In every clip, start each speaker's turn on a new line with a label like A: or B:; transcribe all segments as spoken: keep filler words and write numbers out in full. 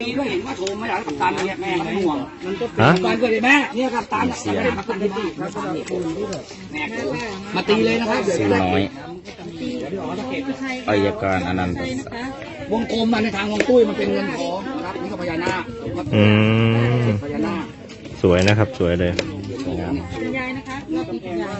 A: มีด้วยเห็นว่าโทรมาจากกัปตันเนี่ยแม่เขาห่วงมันก็
B: ฮะ
A: กัปตันเกิดแม่เนี่ยกัปตันไม่ได้กัปตันที่บ้านแม่มาตีเลยนะครับ
B: เสียงน้อยอายการอนันต์
A: วงกลมมาในทางวงตุ้ยมันเป็นเงินทองนะครับนี่ก็พญานาค
B: อืม
A: พญานาค
B: สวยนะครับ สวยเลย
C: คุณยายนะคะรอบนี้คุณยาย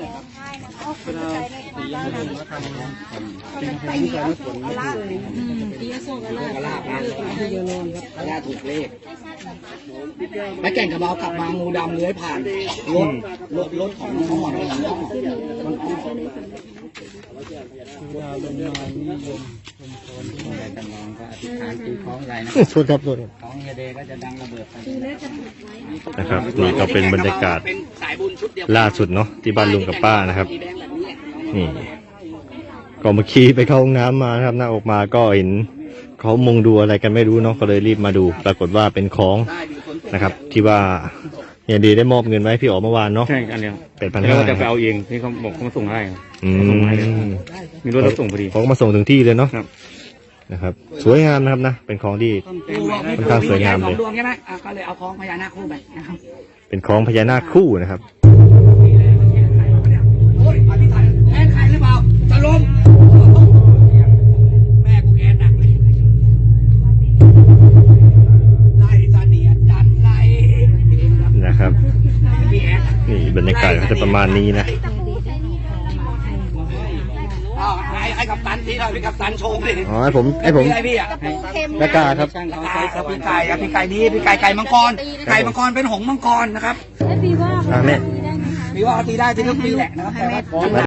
C: อืมตีอโศกอะไร
A: กระลาบนะกระลาถูกเลขและแก่งกระเบากลับมางูดำเลื้อยผ่านรถรถรถของน้องหมอนน้องมันอ้อแต่น้องก็อธิษฐานตีคล้องอะไรนะ
B: สุดครับสุด
A: ของเฮเดก็จะดังระเบิด
B: นะครับ นี่ก็เป็นบรรยากาศ
A: เป็นสายบุญชุดเดียว
B: ล่าสุดเนาะที่บ้านลุงกับป้านะครับ นี่ก็เมื่อกี้ไปเข้าห้องน้ำมานะครับหน้าออกมาก็เห็นเขามุงดูอะไรกันไม่รู้เนาะก็เลยรีบมาดู ปรากฏว่าเป็นของนะครับ ที่ว่าเฮียดีได้มอบเงินไว้พี่อ๋อเมื่อวานเนาะ
D: ใช่อันเดียว
B: เป็นพัน
D: แล้ว
B: ห้า
D: ก็จะไปเอาเองที่เขาบอกเขามาส่งให้
B: อืม
D: ส่งให้เลยมีรถรับส่งพอดี
B: เขาก็มาส่งถึงที่เลยเนาะ
D: ครับ
B: นะครับ สวยงามนะครับนะเป็นของที่ ค่อนข้างสวยงามเลย
A: ดวงใช่ไหมอ่ะก็เลยเอาคล้องพญานาคคู่ไปนะครับ
B: เป็นของพญานาคคู่นะครับ
A: โอ้ยอธิษฐานแค้นใครหรือเปล่าจะล้มแม่กูแค้นหนักเลยไล่เสนียดจันไล่
B: นะครับ
A: พี่แอน
B: นี่บรรยากาศก็จะประมาณนี้นะ
A: อ้าวให้ให้กัปตันทีหน่อยพี่กัปตันโชว์ดิ
B: อ๋อให้ผมให้ผม
A: พี่อะไรพี่อ่ะ
B: แม่กล้าครับ
A: ครับพี่ไก่ครับพี่ไก่ดีพี่ไก่ไก่มังกรไก่มังกรเป็นหงส์มังกรนะครับ
C: แล้วปีว่า
B: อ่ะแม่
C: ตีได้ไหมคะ
A: มีว่าตีได้ที่ทุกปีแหละนะครับแต่ว่า